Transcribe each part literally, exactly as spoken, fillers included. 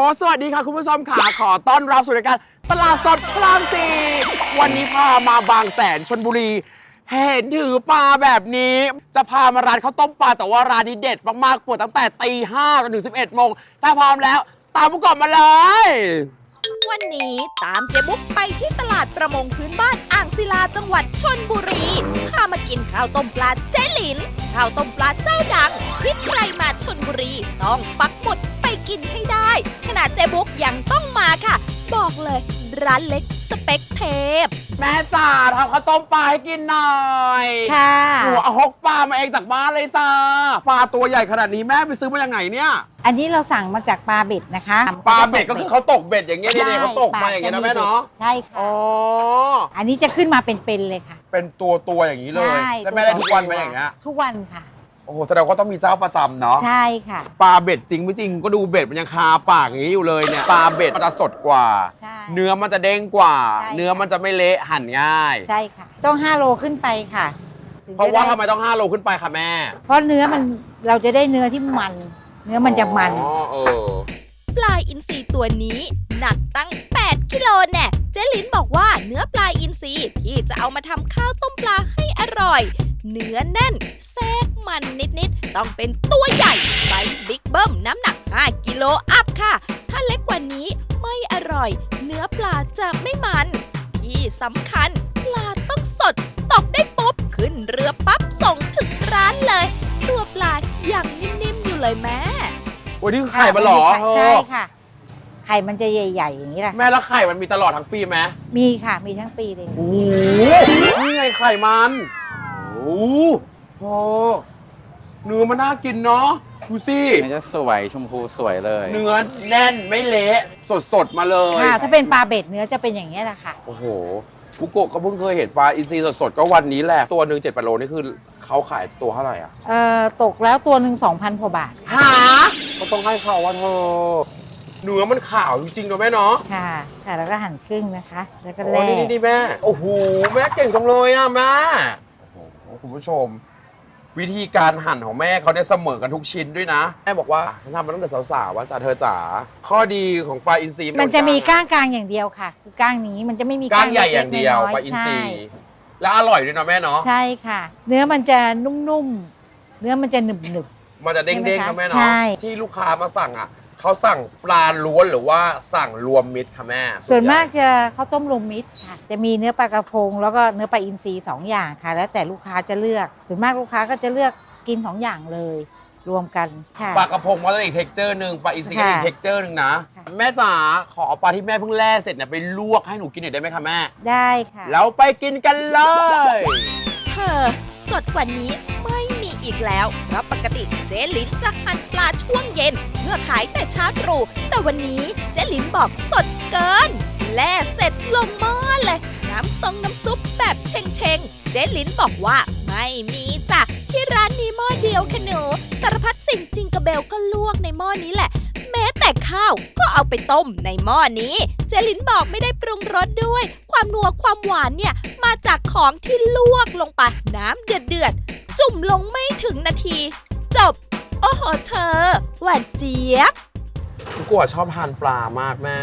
สวัสดีค่ะคุณผู้ชมค่ะขอต้อนรับสู่รายการตลาดสดพระรามสี่วันนี้พามาบางแสนชลบุรีเห็นถือปลาแบบนี้จะพามาร้านข้าวต้มปลาแต่ว่าร้านนี้เด็ดมากๆเปิดตั้งแต่ตีห้าจนถึงสิบเอ็ดโมงถ้าพร้อมแล้วตามผู้ก่อนมาเลยวันนี้ตามเจ๊บุ๊กไปที่ตลาดประมงพื้นบ้านอ่างศิลาจังหวัดชลบุรีพามากินข้าวต้มปลาเจ๊หลินข้าวต้มปลาเจ้าดังที่ใครมาชลบุรีต้องปักหมุดไปกินให้ได้ขนาดเจ๊บุ๊กยังต้องมาค่ะบอกเลยร้านเล็กสเปคเทพแม่จ๋าทำข้าวต้มปลาให้กินหน่อยค่ะหนูเอาฮกปลามาเองจากบ้านเลยจ้าปลาตัวใหญ่ขนาดนี้แม่ไปซื้อมาจากไหนเนี่ยอันนี้เราสั่งมาจากปลาเบ็ดนะคะปลาเบ็ดก็คือเขาตกเบ็ดอย่างเงี้ยเนี่ยเขาตกมาอย่างเงี้ยนะแม่เนาะใช่ค่ะอ๋ออันนี้จะขึ้นมาเป็นๆเลยค่ะเป็นตัวตัวอย่างนี้เลยแล้วแม่ได้ทุกวันไหมอย่างเงี้ยทุกวันค่ะโอ้โหแสดงว่าต้องมีเจ้าประจำเนาะใช่ค่ะปลาเบ็ดจริงไม่จริงก็ดูเบ็ดมันยังคาปากอย่างนี้อยู่เลยเนี่ยปลาเบ็ดมันจะสดกว่าเนื้อมันจะเด้งกว่าเนื้อมันจะไม่เละหั่นง่ายใช่ค่ะต้องห้าโลขึ้นไปค่ะเพราะว่าทำไมต้องห้าโลขึ้นไปคะแม่เพราะเนื้อมันเราจะได้เนื้อที่มันเนื้อมันจะมันอ๋อเออปลาอินทรีตัวนี้หนักตั้งแปดกิโลแน่เจ๊ลินบอกว่าเนื้อปลาอินทรีที่จะเอามาทำข้าวต้มปลาให้อร่อยเนื้อแน่นแทรกมันนิดๆต้องเป็นตัวใหญ่ไซส์บิ๊กเบิ้มน้ำหนักห้ากิโลอัพค่ะถ้าเล็กกว่านี้ไม่อร่อยเนื้อปลาจะไม่มันที่สำคัญปลาต้องสดตกได้ปุ๊บขึ้นเรือปั๊บส่งถึงร้านเลยตัวปลายังนิ่มๆอยู่เลยแม่วันนี้ไข่มาหรอใช่ค่ะไข่มันจะใหญ่ๆอย่างนี้แหละแม่แล้วไข่มันมีตลอดทั้งปีไหมมีค่ะมีทั้งปีเลยโอ้โหนี่ไงไข่มันโอ้โหเนื้อมันน่ากินเนาะดูสิเนื้อจะสวยชมพูสวยเลยเนื้อแน่นไม่เละสดๆมาเลยค่ะถ้าเป็นปลาเบ็ดเนื้อจะเป็นอย่างนี้แหละค่ะโอ้โหบุโกะก็เพิ่งเคยเห็นปลาอินทรีสดๆก็วันนี้แหละตัวหนึ่งเจ็ดแปดโลนี่คือเขาขายตัวเท่าไหร่อ่ะเอ่อตกแล้วตัวหนึ่งสองพันกว่าบาทหาก็ต้องให้เขาว่าเธอเนื้อมันขาวจริงๆเนาะแม่เนาะค่ะค่ะแล้วก็หั่นครึ่งนะคะแล้วก็แล่นี่นี่แม่โอ้โหแม่เก่งจังเลยอ่ะแม่โอ้โหคุณผู้ชมวิธีการหั่นของแม่เขาเนี่ยเสมอกันทุกชิ้นด้วยนะแม่บอกว่าทำมาตั้งแต่สาวๆว่าจ๋าเธอจ๋าข้อดีของปลาอินทรีมันจะมีก้างกลางอย่างเดียวค่ะคือก้างนี้มันจะไม่มีก้างใหญ่อย่างเดียวปลาอินทรีแล้วอร่อยด้วยเนาะแม่เนาะใช่ค่ะเนื้อมันจะนุ่มๆเนื้อมันจะหนึบๆมันจะเด้งๆนะแม่เนาะที่ลูกค้ามาสั่งอ่ะเขาสั่งปลาล้วนหรือว่าสั่งรวมมิตรค่ะแม่ส่วนมากจะเขาต้มรวมมิตรค่ะจะมีเนื้อปลากระพงแล้วก็เนื้อปลาอินทรีสองอย่างค่ะแล้วแต่ลูกค้าจะเลือกส่วนมากลูกค้าก็จะเลือกกินสองอย่างเลยรวมกันค่ะปลากระพงมันจะอีกเท็กเจอร์หนึ่งปลาอินทรีก็อีกเท็กเจอร์หนึ่งนะแม่จ๋าขอปลาที่แม่เพิ่งแล่เสร็จเนี่ยไปลวกให้หนูกินหน่อยได้ไหมคะแม่ได้ค่ะแล้วไปกินกันเลยเธอสดกว่านี้ไม่มีอีกแล้วเพราะปกติเจ๊ลินจะหั่นปลาช่วงเย็นเพื่อขายแต่เช้าตรู่แต่วันนี้เจ๊ลินบอกสดเกินแล่เสร็จลงหม้อเลยน้ำซองน้ำซุปแบบเชงเชงเจ๊ลินบอกว่าไม่มีจ้ะที่ร้านมีหม้อเดียวค่ะหนูสารพัดสิ่งจิงกระเบลก็ลวกในหม้อนี้แหละแม้แต่ข้าวก็เอาไปต้มในหม้อนี้เจลินบอกไม่ได้ปรุงรสด้วยความนัวความหวานเนี่ยมาจากของที่ลวกลงไปน้ำเดือดเดือดจุ่มลงไม่ถึงนาทีจบโอ้โหเธอหวานเจี๊ยบกูชอบทานปลามากแม่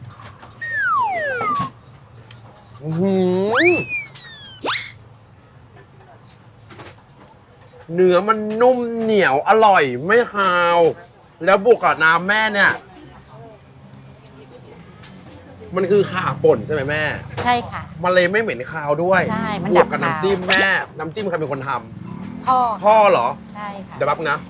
เนื้อมันนุ่มเหนียวอร่อยไม่คาวแล้วบวกกับน้ำแม่เนี่ยมันคือข่าป่นใช่ไหมแม่ใช่ค่ะมันเลยไม่เหม็นคาวด้วยใช่มันบวกกับน้ำจิ้มแม่น้ำจิ้มใครเป็นคนทำพ่อพ่อเหรอใช่ค่ะเดี๋ยวแป๊บนะ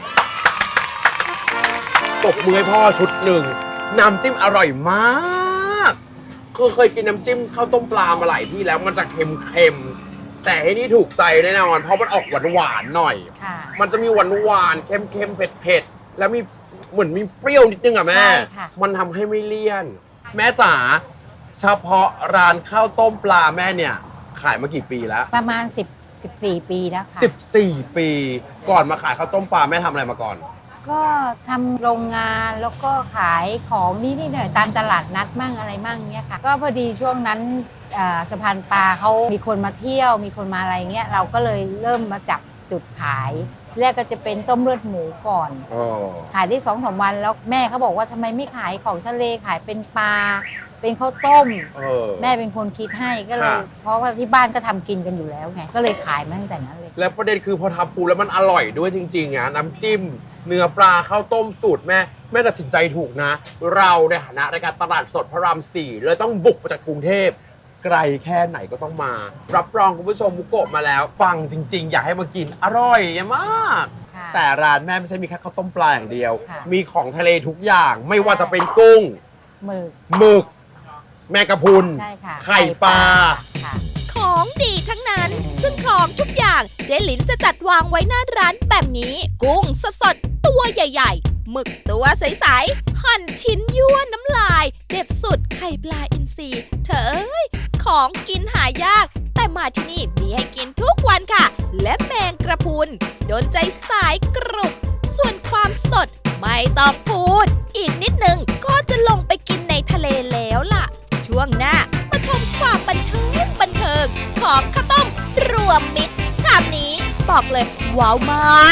ตบมือให้พ่อชุดหนึ่งน้ำจิ้มอร่อยมากคือเคยกินน้ำจิ้มข้าวต้มปลามาหลายที่แล้วมันจะเค็มๆแต่ที่นี่ถูกใจแน่นอนเพราะมันออกหวานๆหน่อยมันจะมีหวานหวานเค็มๆเผ็ดๆแล้วมีเหมือนมีเปรี้ยวนิดนึงอ่ะแม่มันทำให้ไม่เลี่ยนแม่จ๋าเฉพาะร้านข้าวต้มปลาแม่เนี่ยขายมากี่ปีแล้วประมาณสิบสี่ปีแล้วค่ะสิบสี่ปีก่อนมาขายข้าวต้มปลาแม่ทำอะไรมาก่อนก็ทำโรงงานแล้วก็ขายของนี่นี่หน่อยตามตลาดนัดมั่งอะไรมั่งเนี้ยค่ะก็พอดีช่วงนั้นสะพานปลาเขามีคนมาเที่ยวมีคนมาอะไรเงี้ยเราก็เลยเริ่มมาจับจุดขายแรกก็จะเป็นต้มเลือดหมูก่อนอ๋อขายได้สองสามวันแล้วแม่เขาบอกว่าทำไมไม่ขายของทะเลขายเป็นปลาเป็นข้าวต้มเออแม่เป็นคนคิดให้ก็เลยค่ะเพราะว่าที่บ้านก็ทำกินกันอยู่แล้วไงก็เลยขายมาตั้งแต่นั้นเลยแล้วประเด็นคือพอทำปูแล้วมันอร่อยด้วยจริงๆอ่ะน้ำจิ้ม เนื้อปลาข้าวต้มสูตรแม่แม่ตัดสินใจถูกนะ เราในฐานะรายการตลาดสดพระรามสี่เลยต้องบุกมาจากกรุงเทพไกลแค่ไหนก็ต้องมา รับรองคุณผู้ชมมุกโกะมาแล้ว ฟังจริง ๆ อยากให้มากินอร่อยมากค่ะแต่ร้านแม่ไม่ใช่มีแค่ข้าวต้มปลาอย่างเดียวค่ะมีของทะเลทุกอย่างไม่ว่าจะเป็นกุ้งหมึกหมึก แมงกะพรุนใช่ค่ะไข่ปลาค่ะของดีทั้งนั้น ซึ่งของทุกอย่างเจ๊หลินจะจัดวางไว้หน้าร้านแบบนี้ กุ้งสดๆ ตัวใหญ่ๆ หมึกตัวใสๆ หั่นชิ้นยั่วน้ำลาย เด็ดสุดไข่ปลาอินทรีเธอเอ้ย ของกินหายาก แต่มาที่นี่มีให้กินทุกวันค่ะ และแมงกระพรุนโดนใจสายกรุบ ส่วนความสดไม่ต้องพูด อีกนิดนึงก็จะลงไปกินในทะเลแล้วล่ะ ช่วงหน้ามาชมความบันเทิงบันเทิงของข้าวต้มรวมมิตรชามนี้บอกเลยว้าวมาก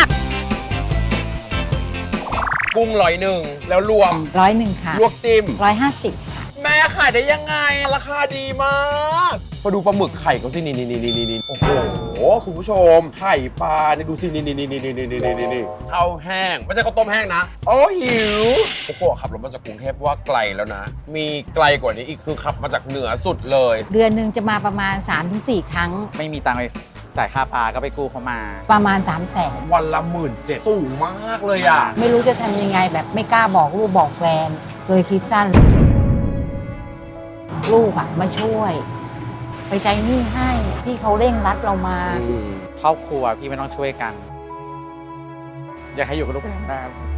กุ้งร้อยหนึ่งแล้วรวมร้อยหนึ่งค่ะลวกจิ้มร้อยห้าสิบค่ะแม่ขายได้ยังไง ราคาดีมากมาดูปลาหมึกไข่เขาสินี่นี่นี่นี่นี่โอ้โหคุณผู้ชม ไข่ปลาเนี่ยดูสินี่นี่นี่นี่นี่นี่นี่นี่นี่ข้าวแห้งไม่ใช่ข้าวต้มแห้งนะ โอ้หิวโอ้โหขับรถมาจากกรุงเทพว่าไกลแล้วนะ มีไกลกว่านี้อีกคือขับมาจากเหนือสุดเลยเดือนหนึ่งจะมาประมาณ สามถึงสี่ ครั้งไม่มีตังค์ไปจ่ายค่าปลาก็ไปกู้เขามาประมาณ สามแสนวันละหมื่นเจ็ดสูงมากเลยอ่ะไม่รู้จะทำยังไงแบบไม่กล้าบอกลูกบอกแฟนเลยคิดสั้น ลูกอะมาช่วย ไปใช้หนี้ให้ที่เขาเร่งรัดเรามาครอบครัวพี่ไม่ต้องช่วยกัน อยากให้อยู่กับลูกนานๆ